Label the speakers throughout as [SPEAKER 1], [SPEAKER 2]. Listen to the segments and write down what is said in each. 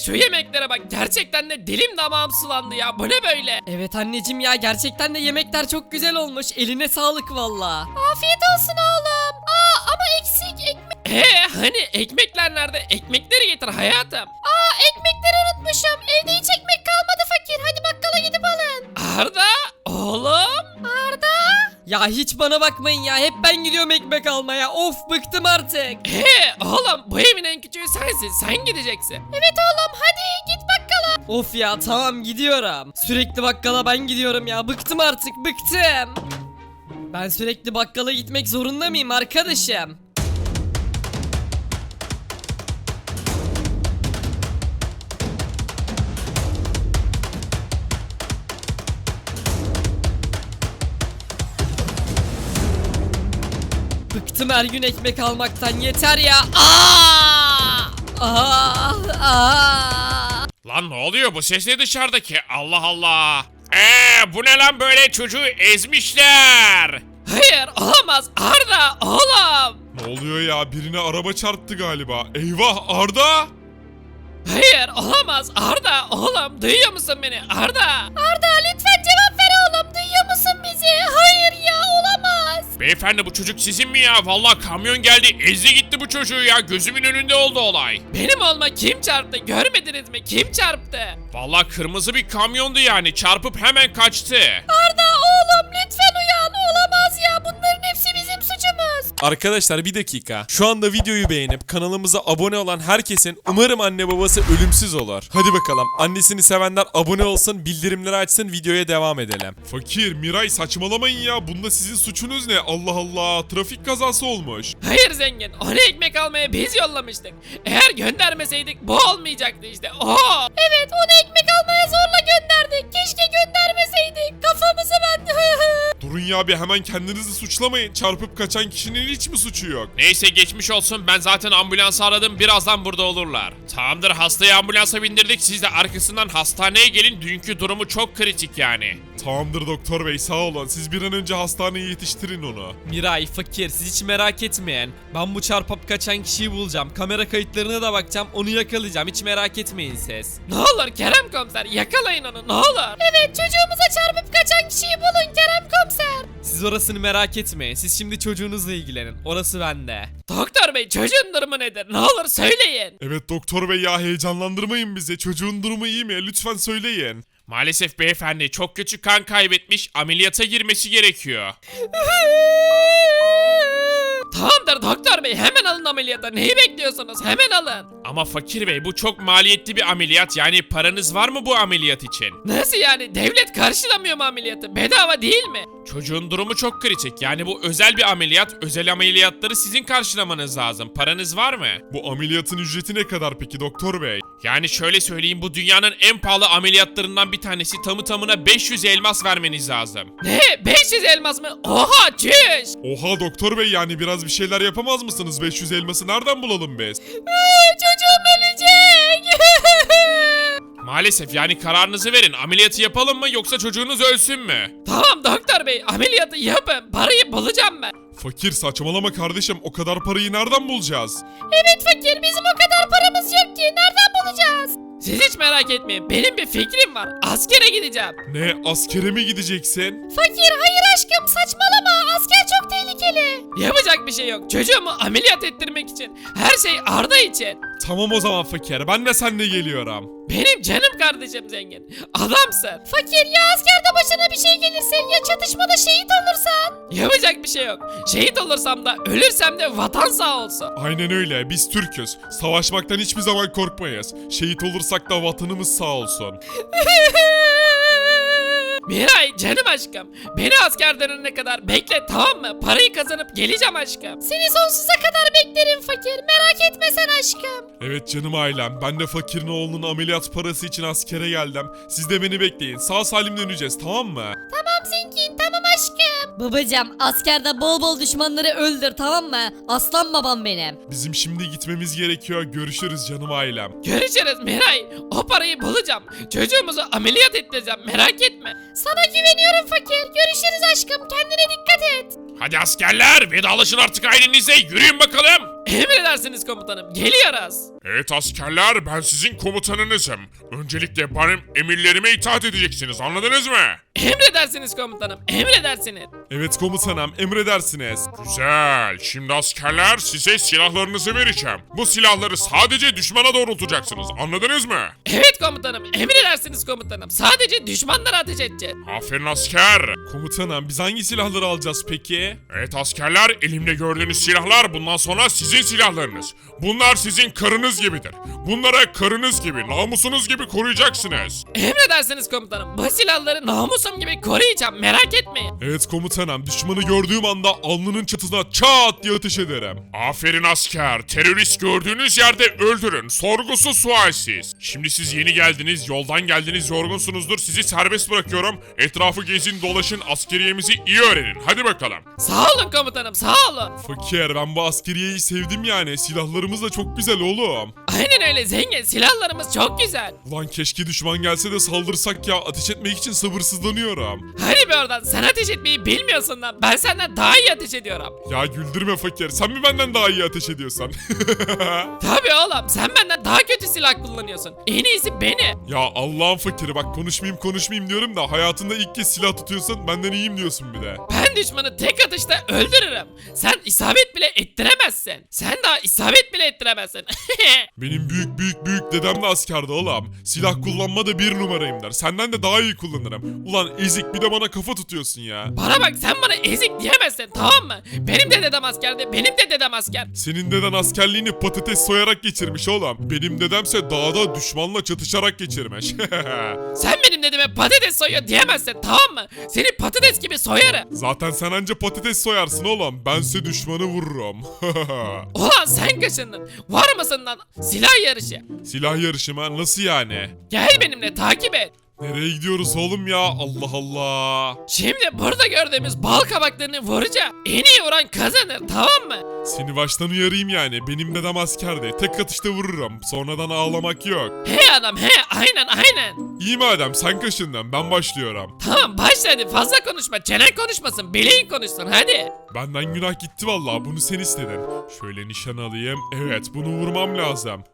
[SPEAKER 1] şu yemeklere bak, gerçekten de dilim damağım sulandı ya, bu ne böyle?
[SPEAKER 2] Evet anneciğim ya, gerçekten de yemekler çok güzel olmuş. Eline sağlık valla.
[SPEAKER 3] Afiyet olsun oğlum. Ama eksik ekmek.
[SPEAKER 1] Hani ekmekler nerede? Ekmekleri getir hayatım.
[SPEAKER 3] Ekmekleri unutmuşum. Evde hiç ekmek kalmadı fakir. Hadi bakkala gidip alın.
[SPEAKER 1] Arda oğlum.
[SPEAKER 3] Arda.
[SPEAKER 2] Ya hiç bana bakmayın ya, hep ben gidiyorum ekmek almaya. Of, bıktım artık.
[SPEAKER 1] Oğlum bu evin en küçüğü sensin, sen gideceksin.
[SPEAKER 3] Evet oğlum hadi git bakkala.
[SPEAKER 2] Of ya, tamam gidiyorum. Sürekli bakkala ben gidiyorum ya, bıktım artık, bıktım. Ben sürekli bakkala gitmek zorunda mıyım arkadaşım? Bıktım her gün ekmek almaktan, yeter ya.
[SPEAKER 4] Lan ne oluyor, bu ses ne dışarıdaki? Allah Allah. Bu ne lan, böyle çocuğu ezmişler.
[SPEAKER 1] Hayır olamaz Arda oğlum.
[SPEAKER 5] Ne oluyor ya? Birine araba çarptı galiba. Eyvah, Arda!
[SPEAKER 1] Hayır olamaz Arda oğlum, duyuyor musun beni Arda?
[SPEAKER 3] Arda lütfen cevap ver oğlum. Duyuyor musun bizi? Hayır ya olamaz.
[SPEAKER 4] Beyefendi, bu çocuk sizin mi ya? Vallahi kamyon geldi, ezdi gitti bu çocuğu ya. Gözümün önünde oldu olay.
[SPEAKER 1] Benim olma, kim çarptı görmediniz mi, kim çarptı?
[SPEAKER 4] Vallahi kırmızı bir kamyondu yani. Çarpıp hemen kaçtı.
[SPEAKER 3] Arda oğlum lütfen uyan. Olamaz ya. Bunların hepsi bizim suçumuz.
[SPEAKER 5] Arkadaşlar bir dakika. Şu anda videoyu beğenip kanalımıza abone olan herkesin umarım anne babası ölümsüz olur. Hadi bakalım. Annesini sevenler abone olsun, bildirimleri açsın, videoya devam edelim. Fakir, Miray saçmalamayın ya. Bunda sizin suçunuz ne? Allah Allah. Trafik kazası olmuş.
[SPEAKER 1] Hayır zengin, onu ekmek almaya biz yollamıştık. Eğer göndermeseydik bu olmayacaktı işte.
[SPEAKER 3] Evet onu ekmek almaya zorla gönderdik. Keşke göndermeseydik. Kafamızı ben...
[SPEAKER 5] Durun ya, bir hemen kendinizi suçlamayın. Çarpıp kaçan kişinin hiç mi suçu yok?
[SPEAKER 4] Neyse, geçmiş olsun. Ben zaten ambulansı aradım. Birazdan burada olurlar. Tamamdır, hastayı ambulansa bindirdik. Siz de arkasından hastaneye gelin. Dünkü durumu çok kritik yani.
[SPEAKER 5] Tamamdır doktor bey, sağ olun. Siz bir an önce hastaneye yetiştirin onu.
[SPEAKER 2] Miray, fakir, siz hiç merak etmeyin. Ben bu çarpıp kaçan kişiyi bulacağım. Kamera kayıtlarına da bakacağım. Onu yakalayacağım. Hiç merak etmeyin siz.
[SPEAKER 1] Ne olur Kerem komiser, yakalayın onu ne olur.
[SPEAKER 3] Evet çocuğumuza çarpıp kaçan kişiyi bulun Kerem komiser.
[SPEAKER 2] Siz orasını merak etmeyin. Siz şimdi çocuğunuzla ilgilenin. Orası bende.
[SPEAKER 1] Doktor bey, çocuğun durumu nedir, ne olur söyleyin.
[SPEAKER 5] Evet doktor bey ya, heyecanlandırmayın bizi. Çocuğun durumu iyi mi? Lütfen söyleyin.
[SPEAKER 4] Maalesef beyefendi, çok kötü kan kaybetmiş. Ameliyata girmesi gerekiyor.
[SPEAKER 1] Tamamdır doktor bey, hemen alın ameliyata, neyi bekliyorsunuz, hemen alın.
[SPEAKER 4] Ama fakir bey, bu çok maliyetli bir ameliyat. Yani paranız var mı bu ameliyat için?
[SPEAKER 1] Nasıl yani, devlet karşılamıyor mu ameliyatı, bedava değil mi?
[SPEAKER 4] Çocuğun durumu çok kritik. Yani bu özel bir ameliyat. Özel ameliyatları sizin karşılamanız lazım. Paranız var mı?
[SPEAKER 5] Bu ameliyatın ücreti ne kadar peki doktor bey?
[SPEAKER 4] Yani şöyle söyleyeyim, bu dünyanın en pahalı ameliyatlarından bir tanesi. Tamı tamına 500 elmas vermeniz lazım.
[SPEAKER 1] Ne, 500 elmas mı? Oha çüş.
[SPEAKER 5] Oha doktor bey, yani biraz bir şeyler yapamaz mısınız? 500 elması nereden bulalım biz?
[SPEAKER 3] Çocuğum ölecek.
[SPEAKER 4] Maalesef, yani kararınızı verin. Ameliyatı yapalım mı yoksa çocuğunuz ölsün mü?
[SPEAKER 1] Tamam doktor bey, ameliyatı yapın, parayı bulacağım ben.
[SPEAKER 5] Fakir saçmalama kardeşim, o kadar parayı nereden bulacağız?
[SPEAKER 3] Evet fakir bizim o kadar paramız yok ki. Nereden bulacağız?
[SPEAKER 1] Siz hiç merak etmeyin, benim bir fikrim var, askere gideceğim.
[SPEAKER 5] Ne, askere mi gideceksin?
[SPEAKER 3] Fakir hayır aşkım saçmalama. Asker çok tehlikeli.
[SPEAKER 1] Yapacak bir şey yok, çocuğumu ameliyat ettirmek için, her şey Arda için.
[SPEAKER 5] Tamam o zaman fakir, ben de seninle geliyorum.
[SPEAKER 1] Benim canım kardeşim zengin, adamsın.
[SPEAKER 3] Fakir ya askerde başına bir şey gelirse ya çatışmada şehit olursan?
[SPEAKER 1] Yapacak bir şey yok, şehit olursam da ölürsem de vatan sağ olsun.
[SPEAKER 5] Aynen öyle, biz Türk'üz. Savaşmaktan hiçbir zaman korkmayız. Şehit olursak da vatanımız sağ olsun.
[SPEAKER 1] Miray canım aşkım, beni asker dönene kadar bekle tamam mı? Parayı kazanıp geleceğim aşkım.
[SPEAKER 3] Seni sonsuza kadar beklerim fakir. Merak etme sen aşkım.
[SPEAKER 5] Evet canım ailem, ben de fakirin oğlunun ameliyat parası için askere geldim. Siz de beni bekleyin, sağ salim döneceğiz, tamam mı?
[SPEAKER 3] Tamam zengin tamam aşkım.
[SPEAKER 6] Babacım askerde bol bol düşmanları öldür, tamam mı? Aslan babam benim.
[SPEAKER 5] Bizim şimdi gitmemiz gerekiyor, görüşürüz canım ailem.
[SPEAKER 1] Görüşürüz Miray, o parayı bulacağım. Çocuğumuzu ameliyat ettireceğim, merak etme.
[SPEAKER 3] Sana güveniyorum fakir. Görüşürüz aşkım. Kendine dikkat et.
[SPEAKER 4] Hadi askerler, vedalaşın artık ailenizle. Yürüyün bakalım.
[SPEAKER 1] Emredersiniz komutanım. Geliyoruz.
[SPEAKER 4] Evet askerler, ben sizin komutanınızım. Öncelikle benim emirlerime itaat edeceksiniz, anladınız mı?
[SPEAKER 1] Emredersiniz komutanım. Emredersiniz.
[SPEAKER 5] Evet komutanım, emredersiniz.
[SPEAKER 4] Güzel. Şimdi askerler, size silahlarınızı vereceğim. Bu silahları sadece düşmana doğrultacaksınız, anladınız mı?
[SPEAKER 1] Evet komutanım. Emredersiniz komutanım. Sadece düşmanlara ateş edeceğiz.
[SPEAKER 4] Aferin asker.
[SPEAKER 5] Komutanım, biz hangi silahları alacağız peki?
[SPEAKER 4] Evet askerler, elimde gördüğünüz silahlar bundan sonra sizin silahlarınız. Bunlar sizin karınız gibidir. Bunlara karınız gibi, namusunuz gibi koruyacaksınız.
[SPEAKER 1] Emredersiniz komutanım. Bu silahları namusum gibi koruyacağım. Merak etmeyin.
[SPEAKER 5] Evet komutanım, düşmanı gördüğüm anda alnının çatısına çat diye ateş ederim.
[SPEAKER 4] Aferin asker. Terörist gördüğünüz yerde öldürün. Sorgusuz sualsiz. Şimdi siz yeni geldiniz, yoldan geldiniz, yorgunsunuzdur. Sizi serbest bırakıyorum. Etrafı gezin, dolaşın, askeriyemizi iyi öğrenin. Hadi bakalım.
[SPEAKER 1] Sağ olun komutanım. Sağ olun.
[SPEAKER 5] Fakir, ben bu askeriyeyi sevdim yani. Silahlarımız da çok güzel oğlum.
[SPEAKER 1] Aynen öyle zengin. Silahlarımız çok güzel.
[SPEAKER 5] Ulan keşke düşman gelse de saldırsak ya. Ateş etmek için sabırsızlanıyorum.
[SPEAKER 1] Hadi be oradan. Sen ateş etmeyi bilmiyorsun lan. Ben senden daha iyi ateş ediyorum.
[SPEAKER 5] Ya güldürme fakir. Sen mi benden daha iyi ateş ediyorsan?
[SPEAKER 1] Tabii oğlum. Sen benden daha kötü silah kullanıyorsun. En iyisi beni.
[SPEAKER 5] Ya Allah'ın fakiri, bak konuşmayayım diyorum da hayatında ilk kez silah tutuyorsun, benden iyiyim diyorsun bir de.
[SPEAKER 1] Ben düşmanı tek atışta öldürürüm. Sen isabet bile ettiremezsin. Sen daha isabet bile ettiremezsin.
[SPEAKER 5] Benim büyük dedem de askerdi oğlum. Silah kullanmada bir numarayım der. Senden de daha iyi kullanırım. Ulan ezik, bir de bana kafa tutuyorsun ya.
[SPEAKER 1] Bana bak, sen bana ezik diyemezsin, tamam mı? Benim de dedem askerdi. Benim de dedem asker.
[SPEAKER 5] Senin deden askerliğini patates soyarak geçirmiş oğlum. Benim dedemse dağda düşmanla çatışarak geçirmiş.
[SPEAKER 1] Sen benim dedeme patates soyuyor diyemezsin, tamam mı? Seni patates gibi soyarım.
[SPEAKER 5] Zaten sen anca patates soyarsın oğlum. Bense düşmanı vururum.
[SPEAKER 1] Ulan sen kaşındın. Var mısın lan? Silah yarışı.
[SPEAKER 5] Silah yarışı mı? Nasıl yani?
[SPEAKER 1] Gel benimle, takip et.
[SPEAKER 5] Nereye gidiyoruz oğlum ya? Allah Allah.
[SPEAKER 1] Şimdi burada gördüğümüz bal kabaklarını vuracağım. En iyi vuran kazanır, tamam mı?
[SPEAKER 5] Seni baştan uyarayım yani. Benim dedem askerdi. Tek atışta vururum. Sonradan ağlamak yok.
[SPEAKER 1] He adam he, aynen.
[SPEAKER 5] İyi madem sen kaşındın. Ben başlıyorum.
[SPEAKER 1] Tamam başla hadi, fazla konuşma. Çenen konuşmasın, bileğin konuşsun hadi.
[SPEAKER 5] Benden günah gitti vallahi. Bunu sen istedin. Şöyle nişan alayım. Evet, bunu vurmam lazım.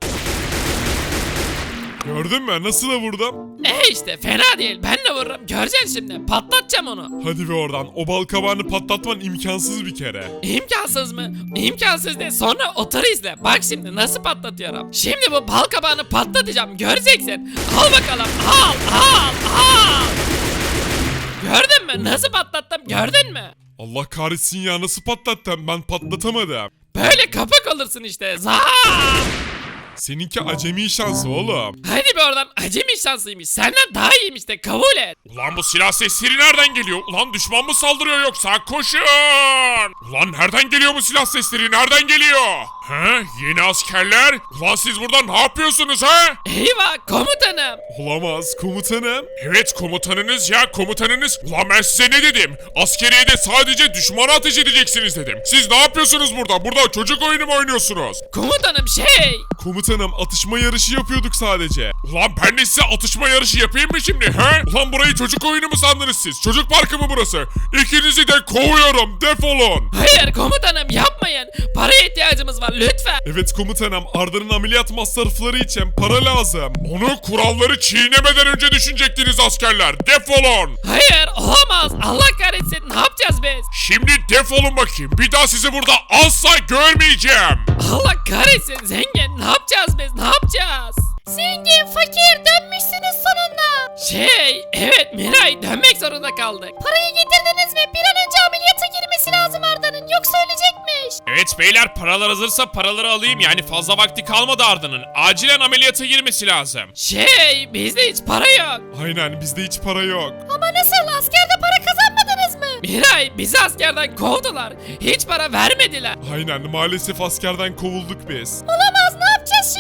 [SPEAKER 5] Gördün mü? Nasıl da vurdum?
[SPEAKER 1] İşte fena değil, ben de vururum. Göreceksin şimdi, patlatacağım onu.
[SPEAKER 5] Hadi be oradan. O bal kabağını patlatman imkansız bir kere.
[SPEAKER 1] İmkansız mı? İmkansız değil, sonra otur izle. Bak şimdi nasıl patlatıyorum. Şimdi bu bal kabağını patlatacağım, göreceksin. Al bakalım, al. Gördün mü? Nasıl patlattım, gördün mü?
[SPEAKER 5] Allah kahretsin ya, nasıl patlattım? Ben patlatamadım.
[SPEAKER 1] Böyle kapak olursun işte. Zaa!
[SPEAKER 5] Seninki acemi şansı oğlum.
[SPEAKER 1] Hadi be oradan, acemi şansıymış. Senden daha iyiymiş de, kabul et.
[SPEAKER 4] Ulan bu silah sesleri nereden geliyor? Ulan düşman mı saldırıyor yoksa? Koşun! Ulan nereden geliyor bu silah sesleri? Nereden geliyor? He? Yeni askerler? Ulan siz burada ne yapıyorsunuz ha?
[SPEAKER 1] Eyvah komutanım.
[SPEAKER 5] Olamaz komutanım.
[SPEAKER 4] Evet komutanınız ya, komutanınız. Ulan ben size ne dedim? Askeriyede sadece düşmana ateş edeceksiniz dedim. Siz ne yapıyorsunuz burada? Burada çocuk oyunu mu oynuyorsunuz?
[SPEAKER 1] Komutanım
[SPEAKER 5] Komutanım, atışma yarışı yapıyorduk sadece.
[SPEAKER 4] Ulan ben de size atışma yarışı yapayım mı şimdi he? Ulan burayı çocuk oyunu mu sandınız siz? Çocuk parkı mı burası? İkinizi de kovuyorum, defolun.
[SPEAKER 1] Hayır komutanım, yapmayın. Paraya ihtiyacımız var lütfen.
[SPEAKER 5] Evet komutanım, Arda'nın ameliyat masrafları için para lazım.
[SPEAKER 4] Onu kuralları çiğnemeden önce düşünecektiniz askerler. Defolun.
[SPEAKER 1] Hayır olamaz. Allah kahretsin, ne yapacağız biz?
[SPEAKER 4] Şimdi defolun bakayım. Bir daha sizi burada asla görmeyeceğim.
[SPEAKER 1] Allah kahretsin zengin, ne yapacağız biz, ne yapacağız?
[SPEAKER 3] Zengin, fakir dönmüşsünüz sonunda.
[SPEAKER 1] Evet Miray, dönmek zorunda kaldık.
[SPEAKER 3] Parayı getirdiniz mi? Bir an önce ameliyata girmesi lazım Arda'nın, yoksa ölecekmiş.
[SPEAKER 4] Evet beyler, paralar hazırsa paraları alayım. Yani fazla vakti kalmadı Arda'nın. Acilen ameliyata girmesi lazım.
[SPEAKER 1] Bizde hiç para yok.
[SPEAKER 5] Aynen, bizde hiç para yok.
[SPEAKER 3] Ama nasıl, askerde para kazanmadınız mı?
[SPEAKER 1] Miray, bizi askerden kovdular. Hiç para vermediler.
[SPEAKER 5] Aynen, maalesef askerden kovulduk biz.
[SPEAKER 3] Olamaz, ne yapacağız şimdi?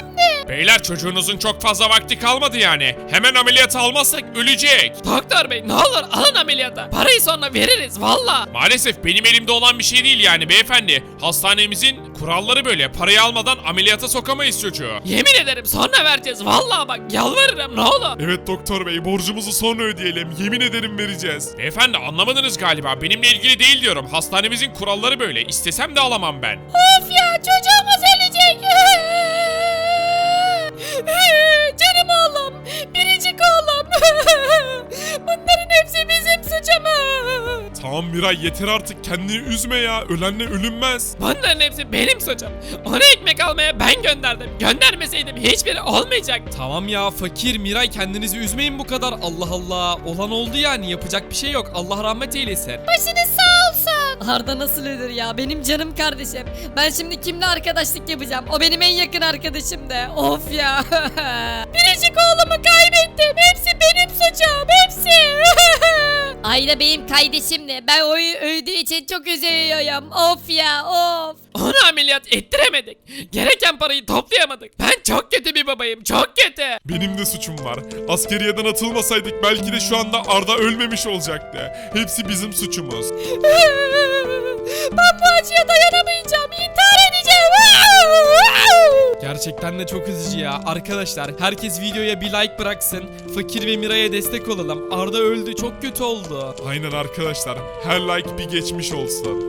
[SPEAKER 4] Beyler çocuğunuzun çok fazla vakti kalmadı yani. Hemen ameliyata almazsak ölecek.
[SPEAKER 1] Doktor bey ne olur alın ameliyata. Parayı sonra veririz valla.
[SPEAKER 4] Maalesef benim elimde olan bir şey değil yani beyefendi. Hastanemizin kuralları böyle. Parayı almadan ameliyata sokamayız çocuğu.
[SPEAKER 1] Yemin ederim sonra vereceğiz valla bak yalvarırım ne olur.
[SPEAKER 4] Evet doktor bey, borcumuzu sonra ödeyelim. Yemin ederim vereceğiz. Beyefendi anlamadınız galiba. Benimle ilgili değil diyorum. Hastanemizin kuralları böyle. İstesem de alamam ben.
[SPEAKER 3] Of ya çocuğumuz ölecek. Canım oğlum. Biricik oğlum. Bunların hepsi bizim suçumuz.
[SPEAKER 4] Tamam Miray, yeter artık. Kendini üzme ya. Ölenle ölünmez.
[SPEAKER 1] Bunların hepsi benim suçum. Onu ekmek almaya ben gönderdim. Göndermeseydim hiçbiri olmayacaktı.
[SPEAKER 2] Tamam ya fakir Miray kendinizi üzmeyin bu kadar. Allah Allah. Olan oldu yani yapacak bir şey yok. Allah rahmet eylesin.
[SPEAKER 3] Başınız sağ olsun.
[SPEAKER 6] Arda nasıl ölür ya? Benim canım kardeşim. Ben şimdi kimle arkadaşlık yapacağım? O benim en yakın arkadaşım da. Of ya.
[SPEAKER 3] Biricik oğlumu kaybettim. Hepsi benim suçum. Hepsi.
[SPEAKER 6] Ayda benim kardeşimdi. Ben o öldüğü için çok üzülüyorum. Of ya of.
[SPEAKER 1] Onu ameliyat ettiremedik. Gereken parayı toplayamadık. Ben çok kötü bir babayım. Çok kötü.
[SPEAKER 4] Benim de suçum var. Askeriyeden atılmasaydık belki de şu anda Arda ölmemiş olacaktı. Hepsi bizim suçumuz.
[SPEAKER 3] Ben bu acıya dayanamayacağım. İntihar edeceğim.
[SPEAKER 2] Gerçekten de çok üzücü ya. Arkadaşlar herkes videoya bir like bıraksın. Fakir ve Miray'a destek olalım. Arda öldü çok kötü oldu.
[SPEAKER 4] Aynen arkadaşlar. Her like bir geçmiş olsun.